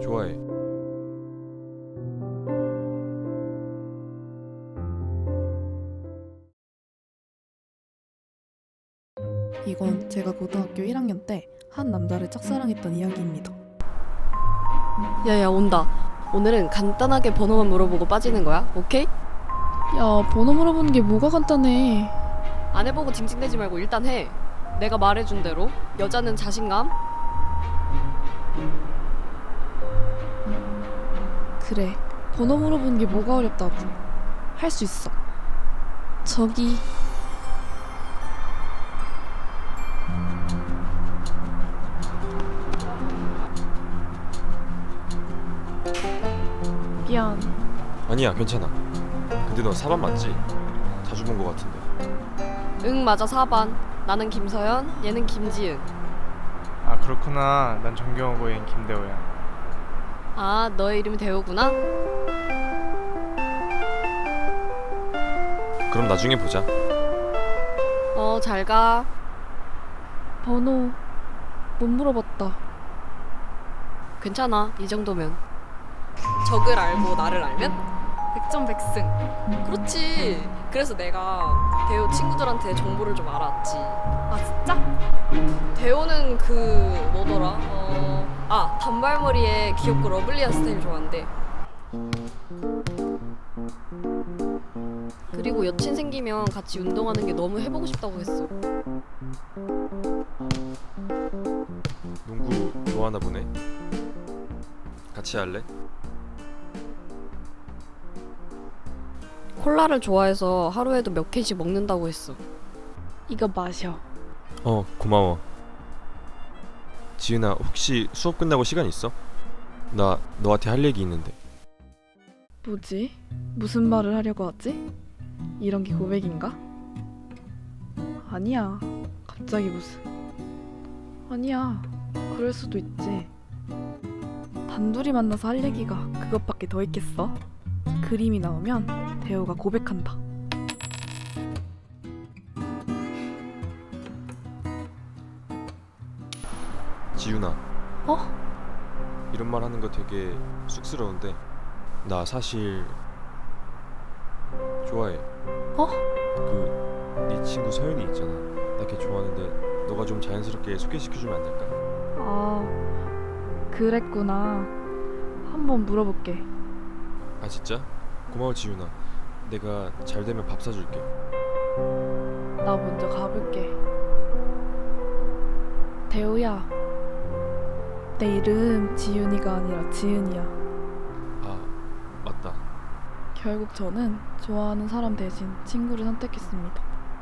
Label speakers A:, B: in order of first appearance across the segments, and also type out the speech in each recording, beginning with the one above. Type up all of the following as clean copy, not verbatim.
A: 좋아해.
B: 이건 제가 고등학교 1학년 때 한 남자를 짝사랑했던 이야기입니다.
C: 야야 온다. 오늘은 간단하게 번호만 물어보고 빠지는 거야. 오케이?
B: 야, 번호 물어보는 게 뭐가 간단해.
C: 안 해보고 징징대지 말고 일단 해. 내가 말해준 대로 여자는 자신감.
B: 그래, 번호 물어보는 게 뭐가 어렵다고. 할 수 있어. 저기 미안.
A: 아니야, 괜찮아. 근데 너 4반 맞지? 자주 본 거 같은데.
C: 응 맞아 4반. 나는 김서연, 얘는 김지은.
D: 아 그렇구나. 난 정경호고 얘는 김대호야.
C: 아 너의 이름이 대호구나?
A: 그럼 나중에 보자.
C: 잘 가.
B: 번호 못 물어봤다.
C: 괜찮아 이 정도면. 적을 알고 나를 알면 백전백승. 그렇지. 그래서 내가 대호 친구들한테 정보를 좀 알았지. 아 진짜? 대호는 그 뭐더라? 단발머리에 귀엽고 러블리한 스타일 좋아한대. 그리고 여친 생기면 같이 운동하는 게 너무 해보고 싶다고 했어.
A: 농구 좋아하나 보네. 같이 할래?
C: 콜라를 좋아해서 하루에도 몇 캔씩 먹는다고 했어.
B: 이거 마셔.
A: 고마워. 지은아, 혹시 수업 끝나고 시간 있어? 나 너한테 할 얘기 있는데.
B: 뭐지? 무슨 말을 하려고 하지? 이런 게 고백인가? 아니야. 갑자기 무슨. 아니야. 그럴 수도 있지. 단둘이 만나서 할 얘기가 그것밖에 더 있겠어? 그림이 나오면 대호가 고백한다.
A: 지윤아,
B: 어?
A: 이런 말 하는 거 되게 쑥스러운데 나 사실 좋아해.
B: 어?
A: 네 친구 서연이 있잖아. 나 걔 좋아하는데 너가 좀 자연스럽게 소개시켜주면 안 될까?
B: 아, 그랬구나. 한번 물어볼게.
A: 아 진짜? 고마워 지윤아. 내가 잘 되면 밥 사줄게.
B: 나 먼저 가볼게. 대호야. 내 이름 지윤이가 아니라 지은이야.
A: 아 맞다.
B: 결국 저는 좋아하는 사람 대신 친구를 선택했습니다.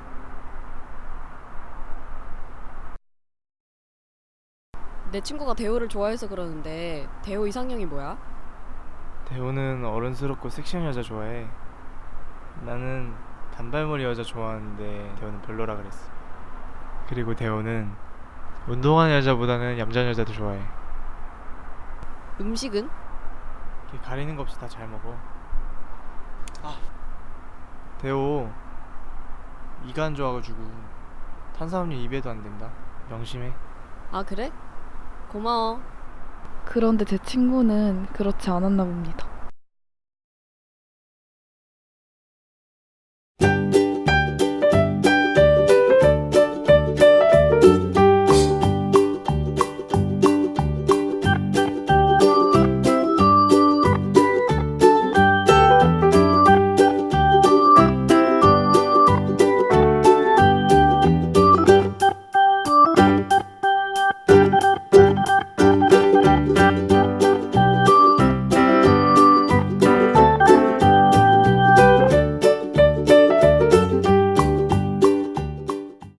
C: 내 친구가 대호를 좋아해서 그러는데 대호 이상형이 뭐야?
D: 대호는 어른스럽고 섹시한 여자 좋아해. 나는 단발머리 여자 좋아하는데 대호는 별로라 그랬어. 그리고 대호는 운동하는 여자보다는 얌전한 여자도 좋아해.
C: 음식은?
D: 걔 가리는 거 없이 다 잘 먹어. 대호 이가 안 좋아가지고 탄수화물 입에도 안 된다. 명심해.
C: 아 그래? 고마워.
B: 그런데 제 친구는 그렇지 않았나 봅니다.